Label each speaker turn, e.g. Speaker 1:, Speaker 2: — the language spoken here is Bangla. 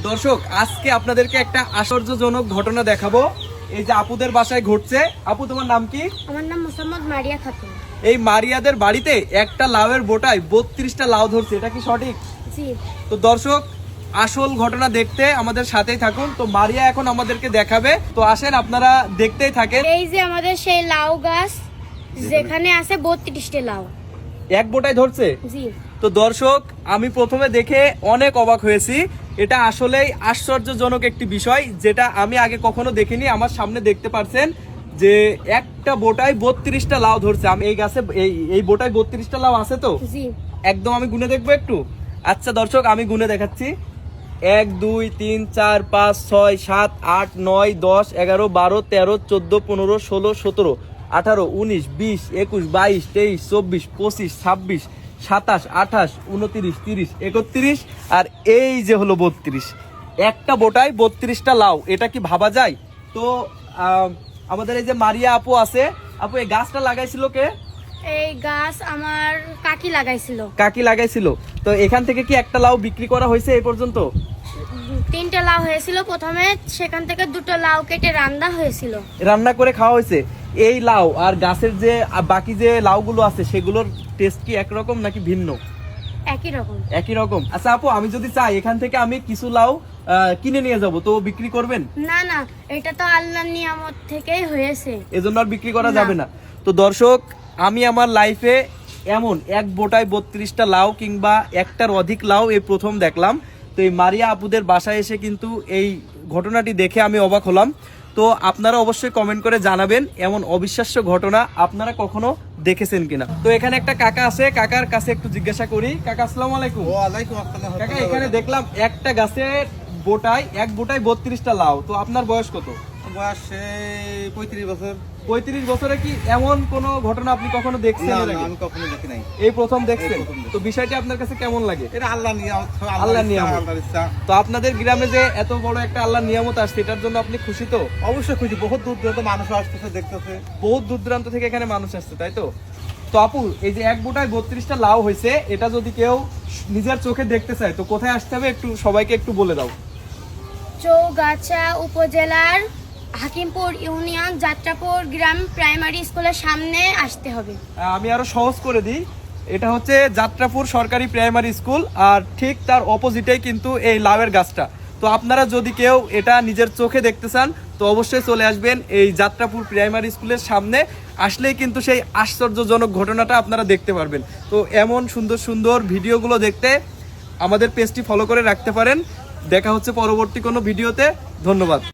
Speaker 1: দর্শক আজকে আপনাদেরকে একটা আশ্চর্যজনক ঘটনা দেখাবো। এই যে আপুদের বাসায় ঘটছে। আপু তোমার নাম কি?
Speaker 2: আমার নাম মোসাম্মদ মারিয়া খাতুন।
Speaker 1: এই মারিয়াদের বাড়িতে একটা লাউয়ের বোটায় 32টা লাউ ধরছে, এটা কি সঠিক?
Speaker 2: জি।
Speaker 1: তো দর্শক আসল ঘটনা দেখতে আমাদের সাথেই থাকুন। তো মারিয়া এখন আমাদেরকে দেখাবে, তো আসেন আপনারা দেখতেই থাকেন।
Speaker 2: এই যে আমাদের সেই লাউ গাছ, যেখানে আছে 32টা লাউ
Speaker 1: এক বোটায় ধরছে।
Speaker 2: জি।
Speaker 1: তো দর্শক আমি প্রথমে দেখে অনেক অবাক হয়েছি। এটা আসলেই আশ্চর্যজনক একটি বিষয়, যেটা আমি আগে কখনো দেখিনি। আমার সামনে দেখতে পাচ্ছেন যে একটা বোটায় 32টা লাউ ধরছে। আমি এই গাছে এই বোটায় 32টা লাউ আছে তো
Speaker 2: জি।
Speaker 1: একদম আমি গুনে দেখবো একটু। আচ্ছা দর্শক আমি গুনে দেখাচ্ছি। 1 2 3 4 5 6 7 8 9 10 11 12 13 14 15 16 17 18 19 20 21 22 23 24 25 26 27 28 29 30 31 আর এই যে হলো 32। একটা বোটায় 32টা লাউ, এটা কি ভাবা যায়? তো আমাদের এই যে মারিয়া আপু আছে, আপু এই গাছটা লাগাইছিল কে?
Speaker 2: এই গাছ আমার কাকি লাগাইছিল।
Speaker 1: কাকি লাগাইছিল। তো এখান থেকে কি একটা লাউ বিক্রি করা হয়েছে এই পর্যন্ত?
Speaker 2: 3টা লাউ হয়েছিল প্রথমে, সেখান থেকে 2টো লাউ কেটে রান্না হয়েছিল।
Speaker 1: রান্না করে খাওয়া হয়েছে। এই লাউ আর গাছের যে বাকি যে লাউগুলো আছে সেগুলোর টেস্ট কি একরকম নাকি ভিন্ন?
Speaker 2: একই রকম।
Speaker 1: একই রকম। আচ্ছা আপু আমি যদি চাই এখান থেকে আমি কিছু লাউ কিনে নিয়ে যাব, তো বিক্রি করবেন?
Speaker 2: না না, এটা তো আল্লাহর নিয়ামত থেকেই হয়েছে,
Speaker 1: এজন্য আর বিক্রি করা
Speaker 2: না।
Speaker 1: যাবে না। তো দর্শক আমি আমার লাইফে এমন এক বোটায় 32টা লাউ কিংবা একটার অধিক লাউ এই প্রথম দেখলাম। তো এই মারিয়া আপুদের বাসায় এসে কিন্তু এই ঘটনাটি দেখে আমি অবাক হলাম। তো আপনারা অবশ্যই কমেন্ট করে জানাবেন এমন অবিশ্বাস্য ঘটনা আপনারা কখনো দেখেছেন কিনা। তো এখানে একটা কাকা আছে, কাকার কাছে একটু জিজ্ঞাসা করি। কাকা আসসালামু আলাইকুম।
Speaker 3: ওয়ালাইকুম আসসালাম।
Speaker 1: কাকা এখানে দেখলাম একটা গাছের বোটায় 32টা লাউ, তো আপনার বয়স কত?
Speaker 3: বয়স 35 বছর।
Speaker 1: 35 বছরে কি এমন কোন ঘটনা আপনি কখনো দেখছেন?
Speaker 3: না,
Speaker 1: এর আগে?
Speaker 3: আমি কখনো দেখি নাই।
Speaker 1: এই প্রথম দেখছেন?
Speaker 3: এই প্রথম দেখছি।
Speaker 1: তো বিষয়টি আপনার কাছে কেমন লাগে?
Speaker 3: এটা আল্লাহ নিয়ামত,
Speaker 1: আল্লাহর নিয়ামত।
Speaker 3: আল্লাহর ইচ্ছা।
Speaker 1: তো আপনাদের গ্রামে যে এত বড় একটা আল্লাহর নিয়ামত আসছে, এটার জন্য আপনি খুশি তো?
Speaker 3: অবশ্যই খুশি। বহুত দূর দূরান্ত মানুষ আসতেছে, দেখতেছে।
Speaker 1: বহুত দূর দূরান্ত থেকে এখানে মানুষ আসছে, তাই তো? তো আপু এই যে এক বোটায় 32টা লাউ হয়েছে, এটা যদি কেউ নিজের চোখে দেখতে চায় তো কোথায় আসতে হবে একটু সবাইকে একটু বলে দাও।
Speaker 2: চৌগাছা উপজেলার হাকিমপুর ইউনিয়ন যাত্রাপুর গ্রাম প্রাইমারি স্কুলের সামনে আসতে হবে।
Speaker 1: আমি আরো সহজ করে দিই, এটা হচ্ছে যাত্রাপুর সরকারি প্রাইমারি স্কুল, আর ঠিক তার অপোজিটেই কিন্তু এই লাউয়ের গাছটা। তো আপনারা যদি কেউ এটা নিজের চোখে দেখতে চান তো অবশ্যই চলে আসবেন এই যাত্রাপুর প্রাইমারি স্কুলের সামনে। আসলেই কিন্তু সেই আশ্চর্যজনক ঘটনাটা আপনারা দেখতে পারবেন। তো এমন সুন্দর সুন্দর ভিডিওগুলো দেখতে আমাদের পেজটি ফলো করে রাখতে পারেন। দেখা হচ্ছে পরবর্তী কোনো ভিডিওতে। ধন্যবাদ।